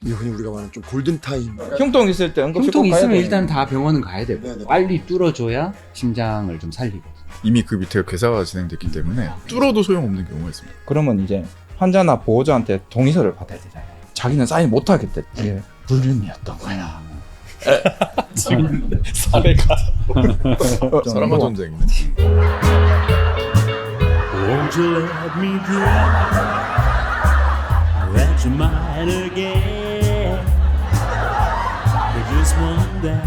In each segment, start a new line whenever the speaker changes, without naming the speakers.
이게 흔히 우리가 말하는 좀 골든타임.
흉통 있을 때 응급실
흉통
꼭 가야
있으면
돼요.
일단 다 병원은 가야 되고
네네.
빨리 뚫어줘야 심장을 좀 살리고.
이미 그 밑에 괴사가 진행됐기 때문에 뚫어도 소용없는 경우가 있습니다.
그러면 이제 환자나 보호자한테 동의서를 받아야 되잖아요. 자기는 사인 못 하겠대. 이게 불륜이었던 거야.
지금
사례가
사랑과 전쟁이네.
Won't you let me dream that you might again for just one day?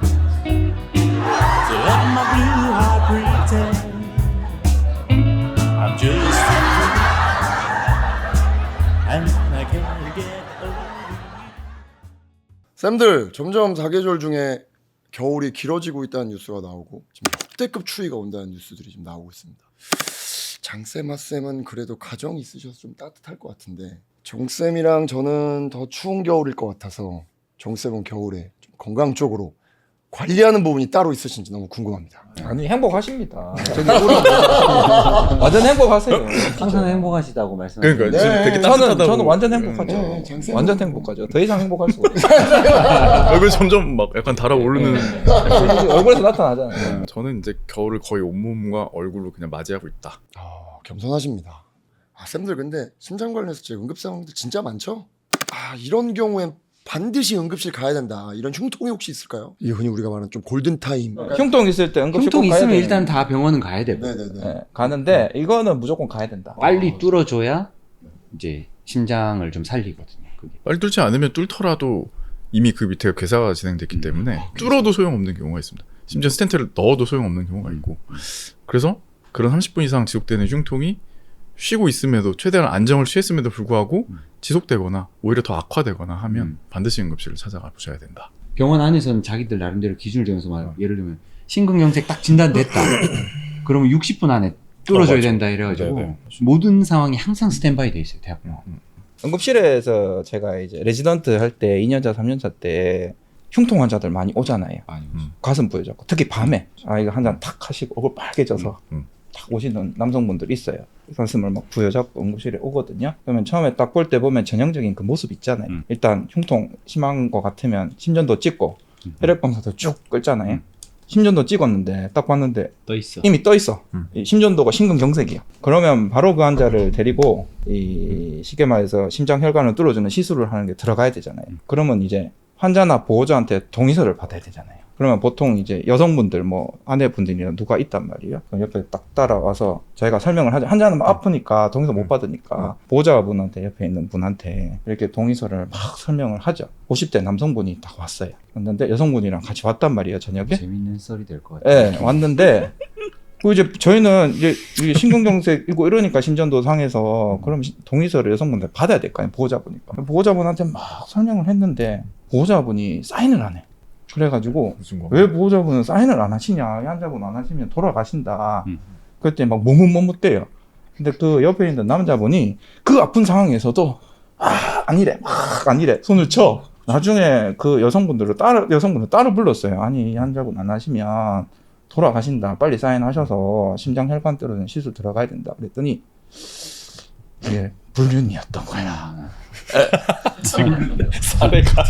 So let my blue heart pretend I'm just a fool and I can't get over.
쌤들 점점 사계절 중에 겨울이 길어지고 있다는 뉴스가 나오고 지금 역대급 추위가 온다는 뉴스들이 지금 나오고 있습니다. 장쌤, 하쌤은 그래도 가정이 있으셔서 좀 따뜻할 것 같은데 정쌤이랑 저는 더 추운 겨울일 것 같아서 정쌤은 겨울에 좀 건강 쪽으로 관리하는 부분이 따로 있으신지 너무 궁금합니다.
아니 행복하십니다. 저기 완전 행복하세요.
항상 행복하시다고 말씀하시는.
그러니까
네.
지금 되게
저는
따뜻하다고.
완전 행복하죠.
네, 장쌤.
완전 행복하죠. 더 이상 행복할 수가 없어요.
얼굴 점점 막 약간 달아오르는.
얼굴에서 나타나잖아요.
저는 이제 겨울을 거의 온몸과 얼굴로 그냥 맞이하고 있다.
겸손하십니다. 쌤들 근데 심장 관련해서 제 응급 상황들 진짜 많죠? 이런 경우엔 반드시 응급실 가야 된다. 이런 흉통이 혹시 있을까요? 이게 흔히 우리가 말하는 좀 골든타임.
흉통 있을 때 응급실
흉통
꼭 가야
있으면
돼요.
일단 다 병원은 가야 되고
네네네.
네, 가는데 이거는 무조건 가야 된다.
빨리 뚫어줘야 이제 심장을 좀 살리거든요. 그게.
빨리 뚫지 않으면 뚫더라도 이미 그 밑에 괴사가 진행됐기 때문에 뚫어도 소용없는 경우가 있습니다. 심지어 스텐트를 넣어도 소용없는 경우가 있고, 그래서 그런 30분 이상 지속되는 흉통이 쉬고 있음에도 최대한 안정을 취했음에도 불구하고 지속되거나 오히려 더 악화되거나 하면 반드시 응급실을 찾아가 보셔야 된다.
병원 안에서는 자기들 나름대로 기준을 정해서 말 예를 들면 심근경색 딱 진단됐다. 그러면 60분 안에 뚫어줘야
맞아.
된다 이래가지고
네네.
모든 상황이 항상 스탠바이 돼 있어요 대학병원.
응급실에서 제가 이제 레지던트 할 때 2년차, 3년차 때 흉통 환자들 많이 오잖아요. 가슴 부여잡고 특히 밤에 이거 한 잔 탁 하시고 얼굴 빨개져서 탁 오시는 남성분들 있어요. 가슴을 막 부여잡고 응급실에 오거든요. 그러면 처음에 딱 볼 때 보면 전형적인 그 모습 있잖아요. 일단 흉통 심한 것 같으면 심전도 찍고 혈액검사도 쭉 끌잖아요. 심전도 찍었는데 딱 봤는데
떠 있어.
이미 떠 있어. 이 심전도가 심근경색이야. 그러면 바로 그 환자를 데리고 이 쉽게 말해서 심장 혈관을 뚫어주는 시술을 하는 게 들어가야 되잖아요. 그러면 이제 환자나 보호자한테 동의서를 받아야 되잖아요. 그러면 보통 이제 여성분들 뭐 아내분들이나 누가 있단 말이에요. 그럼 옆에 딱 따라와서 저희가 설명을 하죠. 환자는 막 아프니까 동의서 못 받으니까 보호자분한테 옆에 있는 분한테 이렇게 동의서를 막 설명을 하죠. 50대 남성분이 딱 왔어요. 왔는데 여성분이랑 같이 왔단 말이에요, 저녁에.
재밌는 썰이 될 것 같아요.
네, 왔는데 그 이제 저희는 이제 이게 심근경색이고 이러니까 심전도 상해서 그럼 동의서를 여성분들 받아야 될 거 아니에요, 보호자분이니까. 보호자분한테 막 설명을 했는데 보호자분이 사인을 안 해. 그래가지고
무슨 거?
왜 보호자분은 사인을 안 하시냐, 이 환자분 안 하시면 돌아가신다. 그때 막 머뭇머뭇대요. 근데 그 옆에 있는 남자분이 그 아픈 상황에서도 아니래, 막 아니래, 손을 쳐. 나중에 그 여성분들 따로 불렀어요. 아니, 이 환자분 안 하시면 돌아가신다. 빨리 사인하셔서 심장 혈관 뚫어주는 시술 들어가야 된다. 그랬더니 이게 불륜이었던 거야.
지금 사례가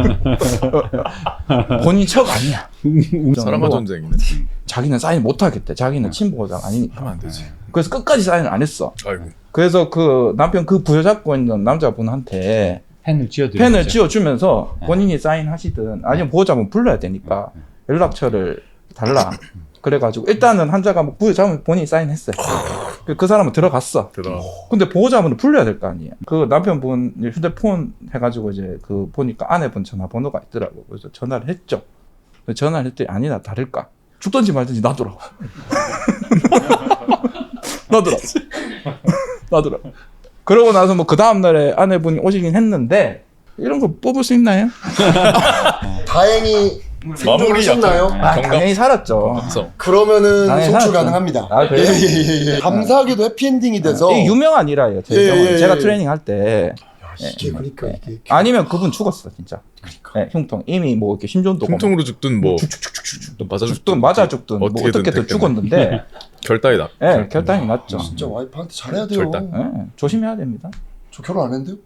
본인 척 아니야.
사랑과 전쟁이네.
자기는 사인 못 하겠대. 자기는 친보호자 아니니까.
하면 안 되지.
그래서 끝까지 사인을 안 했어.
아이고.
그래서 그 남편 그 부여잡고 있는 남자분한테
펜을 쥐어드려.
펜을 쥐어주면서 본인이 사인하시든 아니면 보호자분 불러야 되니까 연락처를 달라. 그래가지고 일단은 환자가 뭐 부여잡으면 본인이 사인했어요. 그 사람은 들어갔어. 근데 보호자분을 불러야 될 거 아니에요. 그 남편분 휴대폰 해가지고 이제 그 보니까 아내분 전화번호가 있더라고. 그래서 전화를 했죠. 전화를 했더니 아니나 다를까. 죽든지 말든지 놔두라고. 놔두라고. 그러고 나서 뭐 그 다음날에 아내분이 오시긴 했는데 이런 거 뽑을 수 있나요?
다행히 생존하셨나요?
당연히 살았죠.
그러면은
당연히
송출
살았죠.
가능합니다.
그래요?
예. 감사하게도 해피엔딩이 돼서
이게 유명한 일화예요. 제 경우는. 제가 트레이닝 할 때
이게 그러니까 이게
아니면 그분 죽었어 진짜. 네, 흉통 이미 뭐 이렇게 심전도
흉통으로 죽든 뭐
죽든 맞아 죽든 뭐 어떻게든 죽었는데
결단이 나.
네, 결단이 났죠.
진짜 와이프한테 잘해야 돼요.
절단.
네, 조심해야 됩니다.
저 결혼 안 했는데요?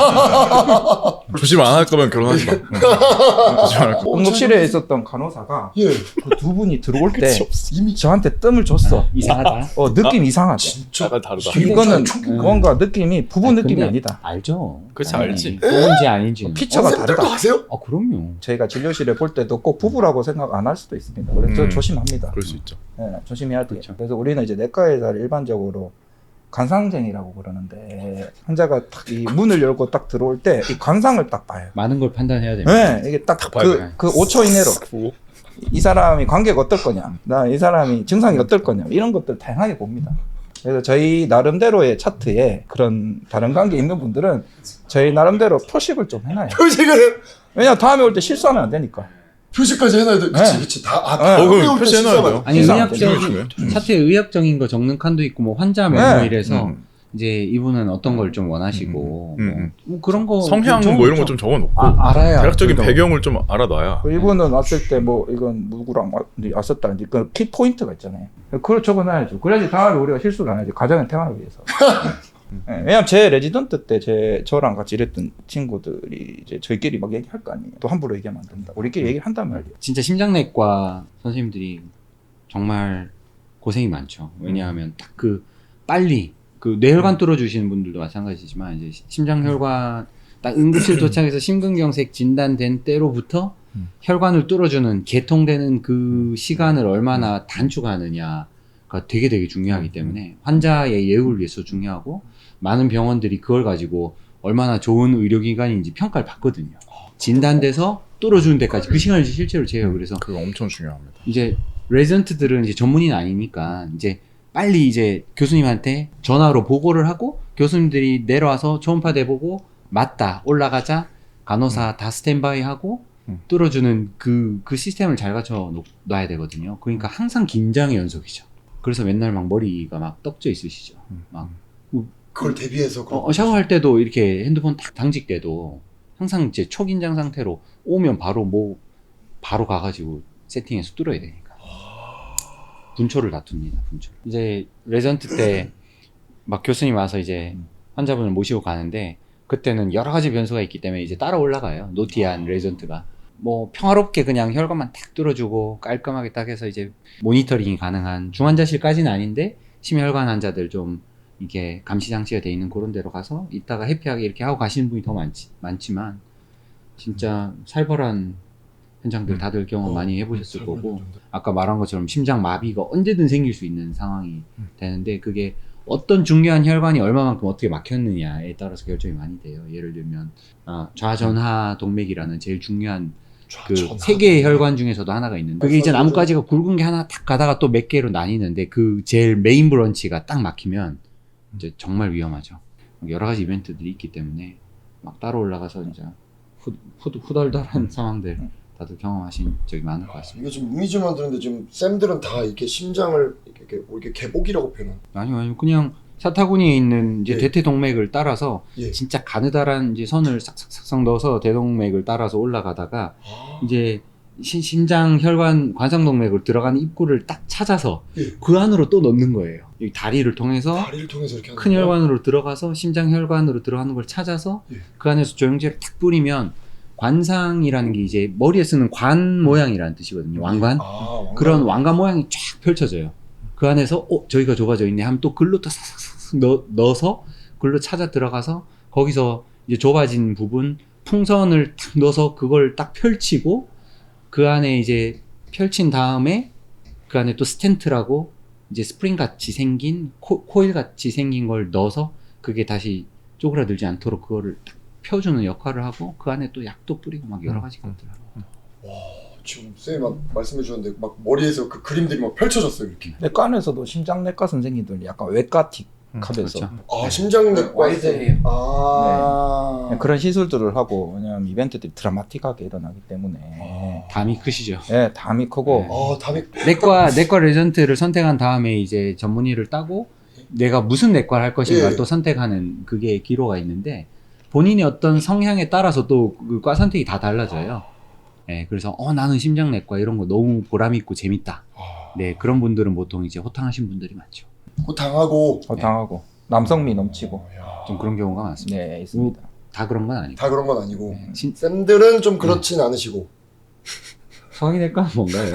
조심 안 할 거면 결혼하지 마. 조심 안 할 거.
응급실에 있었던 간호사가
예.
그 두 분이 들어올 때
이미
저한테 뜸을 줬어.
이상하다.
느낌 이상하다.
진짜
약간 다르다.
이거는
충격.
뭔가 느낌이 부부
아니,
느낌이
근데
아니다.
알죠.
그렇지,
아니,
알지.
부부인지 아닌지.
피처가
선생님들도
다르다.
아세요?
그럼요.
저희가 진료실에 볼 때도 꼭 부부라고 생각 안 할 수도 있습니다. 그래서 조심합니다.
그럴 수 있죠.
조심해야 돼요.
그렇죠.
그래서 우리는 이제 내과 의사를 일반적으로 관상쟁이라고 그러는데 환자가 딱 이 문을 열고 딱 들어올 때 이 관상을 딱 봐요.
많은 걸 판단해야 됩니다.
네, 이게 딱
봐야 돼.
그 5초 이내로
보고.
이 사람이 관계가 어떨 거냐, 나 이 사람이 증상이 어떨 거냐 이런 것들 다양하게 봅니다. 그래서 저희 나름대로의 차트에 그런 다른 관계 있는 분들은 저희 나름대로 표식을 좀 해놔요.
표식을
왜냐 다음에 올 때 실수하면 안 되니까.
표식까지 해놔야 돼. 그치
네.
그치 다.
네.
그럼
표시해놔야 돼요.
아니
이상-
의학적인 차트에 의학적인 거 적는 칸도 있고 뭐 환자
네.
명부 이래서
음.
이제 이분은 어떤 걸 좀 원하시고 뭐 그런 거
성향
좀
뭐 이런 거
좀
좀 적어놓고
알아야
대략적인
그래도.
배경을 좀 알아놔야.
이분은 왔을 때 뭐 이건 누구랑 왔었다는지 그 키 포인트가 있잖아요. 그걸 적어놔야죠. 그래야지 다음에 우리가 실수를 안 하지. 가정의 평화를 위해서. 네, 왜냐면 제 레지던트 때 저랑 같이 일했던 친구들이 이제 저희끼리 막 얘기할 거 아니에요. 또 함부로 얘기하면 안 된다. 우리끼리 얘기를 한단 말이에요.
진짜 심장내과 선생님들이 정말 고생이 많죠. 왜냐하면 딱 그 빨리 그 뇌혈관 뚫어주시는 분들도 마찬가지지만 이제 심장혈관 딱 응급실 도착해서 심근경색 진단된 때로부터 혈관을 뚫어주는 개통되는 그 시간을 얼마나 단축하느냐가 되게 중요하기 때문에 환자의 예후를 위해서 중요하고 많은 병원들이 그걸 가지고 얼마나 좋은 의료기관인지 평가를 받거든요. 진단돼서 뚫어주는 데까지 그 시간을 실제로 재요. 그래서
그거 엄청 중요합니다.
이제 레지던트들은 이제 전문의는 아니니까 이제 빨리 이제 교수님한테 전화로 보고를 하고 교수님들이 내려와서 초음파 대보고 맞다 올라가자 간호사 다 스탠바이 하고 뚫어주는 그 시스템을 잘 갖춰 놔야 되거든요. 그러니까 항상 긴장의 연속이죠. 그래서 맨날 막 머리가 막 떡져 있으시죠. 막
그걸 대비해서
샤워할 때도 이렇게 핸드폰 딱 당직 때도 항상 이제 초긴장 상태로 오면 바로 가가지고 세팅해서 뚫어야 되니까. 분초를 다툽니다. 분초. 이제 레전트 때 막 교수님 와서 이제 환자분을 모시고 가는데 그때는 여러 가지 변수가 있기 때문에 이제 따라 올라가요. 노티한 레전트가. 뭐 평화롭게 그냥 혈관만 탁 뚫어주고 깔끔하게 딱 해서 이제 모니터링이 가능한 중환자실까지는 아닌데 심혈관 환자들 좀 이게 감시 장치가 돼 있는 그런 데로 가서 이따가 해피하게 이렇게 하고 가시는 분이 더 많지만 진짜 살벌한 현장들 다들 경험 많이 해보셨을 거고 아까 말한 것처럼 심장 마비가 언제든 생길 수 있는 상황이 되는데 그게 어떤 중요한 혈관이 얼마만큼 어떻게 막혔느냐에 따라서 결정이 많이 돼요. 예를 들면 좌전하 동맥이라는 제일 중요한 그 세 개의 혈관 중에서도 하나가 있는데 그게 이제 나뭇가지가 굵은 게 하나 탁 가다가 또 몇 개로 나뉘는데 그 제일 메인 브런치가 딱 막히면 이제 정말 위험하죠. 여러 가지 이벤트들이 있기 때문에 막 따로 올라가서 이제 후덜덜한 상황들 다들 경험하신 적이 많을 것 같습니다.
이게 지금 의미지만 들었는데 지금 쌤들은 다 이렇게 심장을 이렇게 개복이라고 표현.
아니요, 그냥 사타구니에 있는 이제
예.
대퇴동맥을 따라서
예.
진짜 가느다란 이제 선을 싹싹싹 넣어서 대동맥을 따라서 올라가다가 이제 심장 혈관 관상동맥으로 들어가는 입구를 딱 찾아서
예.
그 안으로 또 넣는 거예요. 이 다리를 통해서
다리를 통해서 이렇게 하는
큰
거예요?
혈관으로 들어가서 심장 혈관으로 들어가는 걸 찾아서
예.
그 안에서 조영제를 탁 뿌리면 관상이라는 게 이제 머리에 쓰는 관 모양이라는 뜻이거든요. 왕관.
왕관.
그런 왕관 모양이 쫙 펼쳐져요. 그 안에서 저기가 좁아져 있네 하면 또 글로 또 싹싹싹 넣어서 글로 찾아 들어가서 거기서 이제 좁아진 부분 풍선을 탁 넣어서 그걸 딱 펼치고 그 안에 이제 펼친 다음에 그 안에 또 스텐트라고 이제 스프링 같이 생긴 코일 같이 생긴 걸 넣어서 그게 다시 쪼그라들지 않도록 그거를 딱 펴주는 역할을 하고 그 안에 또 약도 뿌리고 막 여러 가지 것들 하고.
지금 쌤이 막 말씀해 주셨는데 막 머리에서 그 그림들이 막 펼쳐졌어요 이렇게.
내과 안에서도 심장내과 선생님들 약간 외과틱 하면서
그렇죠.
심장내과
와이드해요.
네.
그런 시술들을 하고 왜냐하면 이벤트들이 드라마틱하게 일어나기 때문에
담이 크시죠.
네, 담이 크고
담이
내과 레전트를 선택한 다음에 이제 전문의를 따고 내가 무슨 내과를 할 것인가
예.
또 선택하는 그게 기로가 있는데 본인이 어떤 성향에 따라서 또 그 과 선택이 다 달라져요. 네, 그래서 나는 심장내과 이런 거 너무 보람 있고 재밌다. 네, 그런 분들은 보통 이제 호탕하신 분들이 많죠.
호탕하고
당하고 남성미 넘치고.
좀 그런 경우가 많습니다.
네, 있습니다.
다 그런 건 아니고.
다 그런 건 아니고
네.
쌤들은 좀 그렇진 않으시고.
성인외과 뭔가요?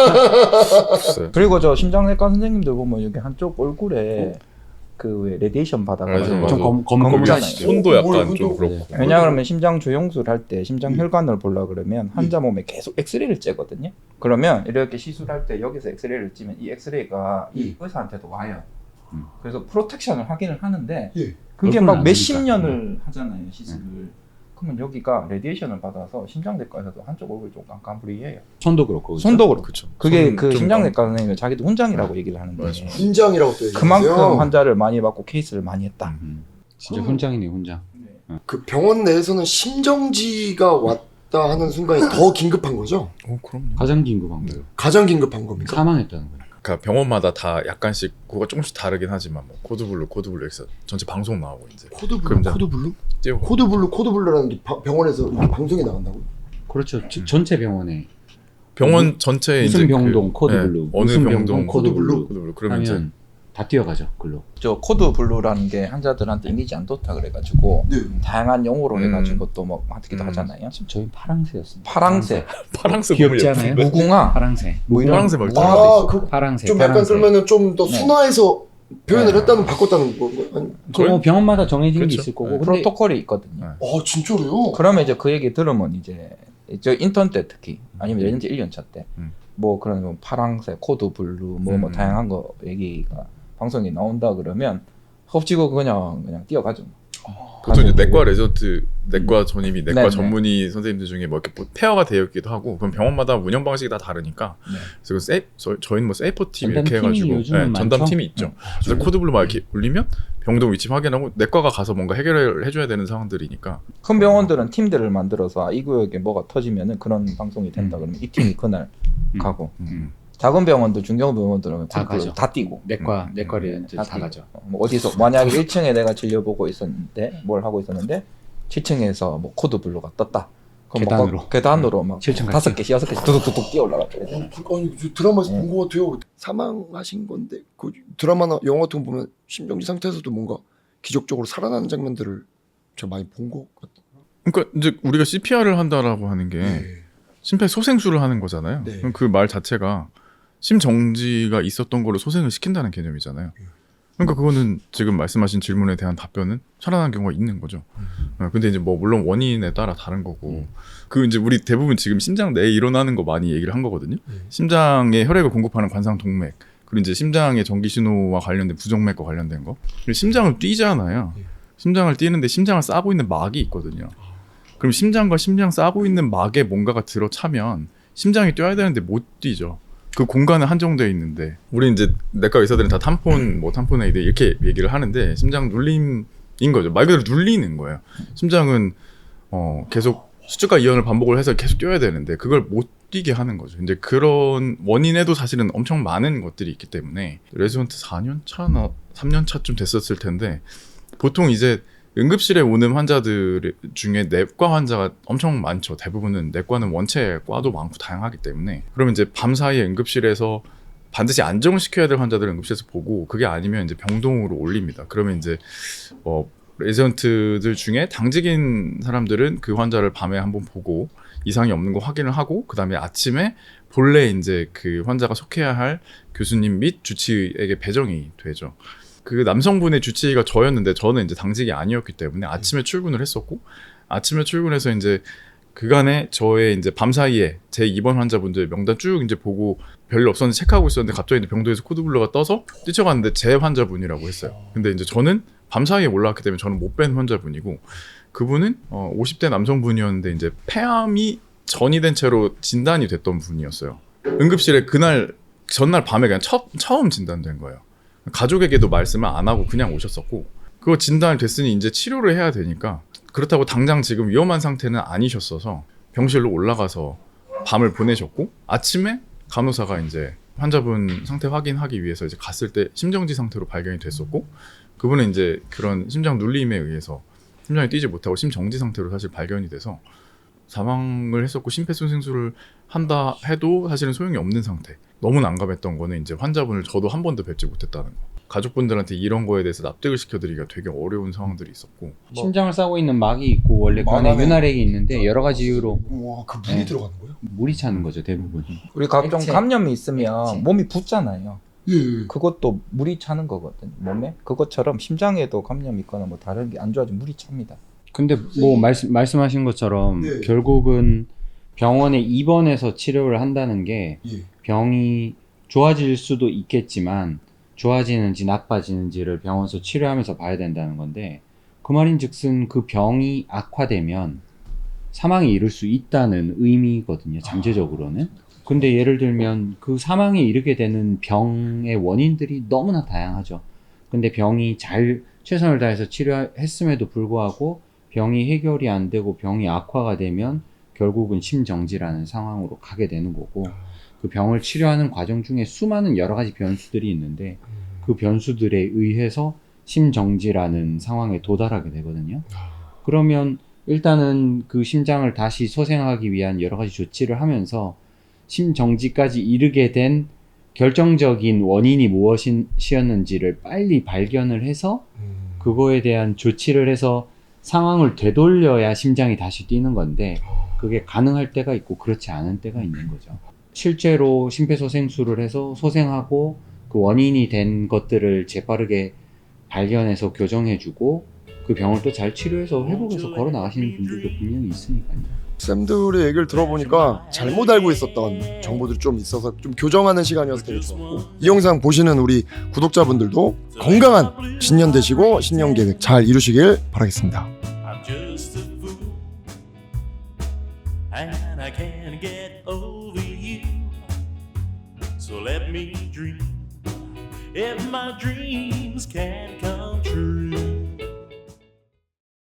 글쎄.
그리고 저 심장내과 선생님들 보면 여기 한쪽 얼굴에 그 왜 레디에이션
맞아,
받아가지고
맞아.
좀
검잖아요.
검잖아요.
손도 약간
뭘,
좀
손도-
그렇고.
왜냐하면 심장 조영술 할 때 심장 혈관을 보려 그러면 환자 몸에 계속 엑스레이를 째거든요. 그러면 이렇게 시술할 때 여기서 엑스레이를 찌면 이 엑스레이가 이 의사한테도 와요. 그래서 프로텍션을 확인을 하는데
예.
그게
얼굴은
막
안
몇십
되니까.
년을 하잖아요 시술을. 그러면 여기가 레디에이션을 받아서 심장내과에서도 한쪽 얼굴이 좀 깜깜부리해요.
손도 그렇고. 그죠?
손도 그렇고.
그쵸.
그게
손
그
좀
심장내과 선생님이 자기도 훈장이라고 얘기를 하는데
맞아.
훈장이라고 또 얘기하세요.
그만큼 환자를 많이 받고 케이스를 많이 했다.
진짜 훈장이네 훈장.
그 병원 내에서는 심정지가 왔다 하는 순간이 더 긴급한 거죠?
그럼요.
가장 긴급한 거예요.
가장 긴급한 겁니까?
사망했다는 거예요.
그러니까 병원마다 다 약간씩 그거가 조금씩 다르긴 하지만 뭐 코드블루 여기서 전체 방송 나오고 이제
코드블루,
그럼
코드블루?
띄우고
코드블루라는 게 병원에서 이렇게 방송에 나간다고?
그렇죠. 전체 병원에
병원 전체에 이제
무슨 병동 코드블루,
네, 어느
무슨
병동
병동 코드블루
코드블루 그러면 이제
하면 다 뛰어가죠. 글로.
저 코드 블루라는 게 환자들한테 이미지 안 좋다 그래가지고
네.
다양한 용어로
음.
해가지고 또 뭐 하기도 하잖아요.
지금 저희 파랑새였습니다.
파랑새,
파랑새
귀엽지
너무
않아요?
예쁜데?
무궁화,
파랑새.
뭐 이런
파랑새 말투.
무궁화도
아,
있어요.
그
파랑새.
좀 약간
파랑새.
그러면은 좀 더
네.
순화해서 표현을
네.
했다는 바꿨다는 거. 아니,
그 병원마다 정해진 게
그렇죠.
있을 거고.
네.
근데
프로토콜이 있거든요.
네.
진짜로요?
그러면 이제 그 얘기 들으면 이제 저 인턴 때 특히 아니면 내년제 1년차 때 뭐 그런 뭐 파랑새, 코드 블루 뭐 다양한 거 얘기가 방송에 나온다 그러면 헛지고 그냥 뛰어가죠.
보통 이제
가서
내과
보고.
레전트, 내과 전임이, 내과
네네.
전문의 선생님들 중에 뭐 이렇게 페어가 되어 있기도 하고, 그럼 병원마다 운영 방식이 다 다르니까.
네.
그래서 저희는 뭐 세이퍼 팀 이렇게
전담팀이
해가지고
요즘은
전담
많죠?
팀이 있죠. 그래서 코드블루 막 이렇게 울리면 병동 위치 확인하고 내과가 가서 뭔가 해결을 해줘야 되는 상황들이니까.
큰 병원들은 팀들을 만들어서 이 구역에 뭐가 터지면은 그런 방송이 된다 그러면 이 팀이 그날 가고 작은 병원들, 중견 병원들은
다 가죠.
다 뛰고
내과를 다
뛰고.
가죠.
뭐 어디서 만약에 1층에 내가 진료 보고 있었는데 뭘 하고 있었는데 7층에서 뭐 코드 블루가 떴다. 그럼
계단으로.
뭐 계단으로 막
7층
5개씩 6개씩 두둑두둑 뛰어 올라가죠.
아니 저 드라마에서 본 것 같아요. 사망하신 건데 그 드라마나 영화 같은 거 보면 심정지 상태에서도 뭔가 기적적으로 살아나는 장면들을 제가 많이 본 것 같아요.
그러니까 이제 우리가 CPR을 한다라고 하는 게
네.
심폐소생술을 하는 거잖아요.
네.
그럼 그 말 자체가 심정지가 있었던 걸로 소생을 시킨다는 개념이잖아요. 그러니까 그거는 지금 말씀하신 질문에 대한 답변은 살아나는 경우가 있는 거죠. 근데 이제 뭐 물론 원인에 따라 다른 거고 그 이제 우리 대부분 지금 심장 내에 일어나는 거 많이 얘기를 한 거거든요. 심장에 혈액을 공급하는 관상동맥 그리고 이제 심장의 전기 신호와 관련된 부정맥과 관련된 거. 그리고 심장을 뛰잖아요. 심장을 뛰는데 심장을 싸고 있는 막이 있거든요. 그럼 심장과 심장 싸고 있는 막에 뭔가가 들어차면 심장이 뛰어야 되는데 못 뛰죠. 그 공간은 한정되어 있는데 우리 이제 내과 의사들은 다 탐폰 뭐 탐폰 에이드 이렇게 얘기를 하는데 심장 눌림인 거죠. 말 그대로 눌리는 거예요. 심장은 계속 수축과 이완을 반복을 해서 계속 뛰어야 되는데 그걸 못 뛰게 하는 거죠. 이제 그런 원인에도 사실은 엄청 많은 것들이 있기 때문에 레지던트 4년 차나 3년 차쯤 됐었을 텐데 보통 이제 응급실에 오는 환자들 중에 내과 환자가 엄청 많죠. 대부분은 내과는 원체 과도 많고 다양하기 때문에 그러면 이제 밤사이에 응급실에서 반드시 안정을 시켜야 될 환자들을 응급실에서 보고 그게 아니면 이제 병동으로 올립니다. 그러면 이제 레지던트들 중에 당직인 사람들은 그 환자를 밤에 한번 보고 이상이 없는 거 확인을 하고 그 다음에 아침에 본래 이제 그 환자가 속해야 할 교수님 및 주치의에게 배정이 되죠. 그 남성분의 주치의가 저였는데 저는 이제 당직이 아니었기 때문에 아침에 출근을 했었고 아침에 출근해서 이제 그간에 저의 이제 밤 사이에 제 입원 환자분들 명단 쭉 이제 보고 별일 없었는데 체크하고 있었는데 갑자기 이제 병동에서 코드블루가 떠서 뛰쳐갔는데 제 환자분이라고 했어요. 근데 이제 저는 밤 사이에 올라왔기 때문에 저는 못 뵌 환자분이고 그분은 50대 남성분이었는데 이제 폐암이 전이 된 채로 진단이 됐던 분이었어요. 응급실에 그날 전날 밤에 그냥 처음 진단된 거예요. 가족에게도 말씀을 안 하고 그냥 오셨었고 그거 진단이 됐으니 이제 치료를 해야 되니까 그렇다고 당장 지금 위험한 상태는 아니셨어서 병실로 올라가서 밤을 보내셨고 아침에 간호사가 이제 환자분 상태 확인하기 위해서 이제 갔을 때 심정지 상태로 발견이 됐었고 그분은 이제 그런 심장 눌림에 의해서 심장이 뛰지 못하고 심정지 상태로 사실 발견이 돼서 사망을 했었고 심폐소생술을 한다 해도 사실은 소용이 없는 상태. 너무 난감했던 거는 이제 환자분을 저도 한 번도 뵙지 못했다는 거. 가족분들한테 이런 거에 대해서 납득을 시켜드리기가 되게 어려운 상황들이 있었고
심장을 싸고 있는 막이 있고 원래 그 안에
막안에
윤활액이 있는데 여러 가지 이유로
와, 그 물이
네.
들어가는 거예요?
물이 차는 거죠 대부분이.
우리 각종
액체.
감염이 있으면
액체.
몸이 붓잖아요.
예.
그것도 물이 차는 거거든요. 몸에 그것처럼 심장에도 감염이 있거나 뭐 다른 게 안 좋아지면 물이 찹니다.
근데 뭐 말씀하신 것처럼
네.
결국은 병원에 입원해서 치료를 한다는 게
예.
병이 좋아질 수도 있겠지만 좋아지는지 나빠지는지를 병원에서 치료하면서 봐야 된다는 건데 그 말인즉슨 그 병이 악화되면 사망에 이를 수 있다는 의미거든요. 잠재적으로는. 근데 예를 들면 그 사망에 이르게 되는 병의 원인들이 너무나 다양하죠. 근데 병이 잘 최선을 다해서 치료했음에도 불구하고 병이 해결이 안 되고 병이 악화가 되면 결국은 심정지라는 상황으로 가게 되는 거고 그 병을 치료하는 과정 중에 수많은 여러 가지 변수들이 있는데 그 변수들에 의해서 심정지라는 상황에 도달하게 되거든요. 그러면 일단은 그 심장을 다시 소생하기 위한 여러 가지 조치를 하면서 심정지까지 이르게 된 결정적인 원인이 무엇이었는지를 빨리 발견을 해서 그거에 대한 조치를 해서 상황을 되돌려야 심장이 다시 뛰는 건데 그게 가능할 때가 있고 그렇지 않은 때가 있는 거죠. 실제로 심폐소생술을 해서 소생하고 그 원인이 된 것들을 재빠르게 발견해서 교정해주고 그 병을 또 잘 치료해서 회복해서 걸어 나가시는 분들도 분명히 있으니까요.
쌤들의 얘기를 들어보니까 잘못 알고 있었던 정보들이 좀 있어서 좀 교정하는 시간이어서 되게 좋았고 이 영상 보시는 우리 구독자분들도 건강한 신년 되시고 신년 계획 잘 이루시길 바라겠습니다.
I'm just a fool, and I can't get over you. So let me dream, if my dreams can come true.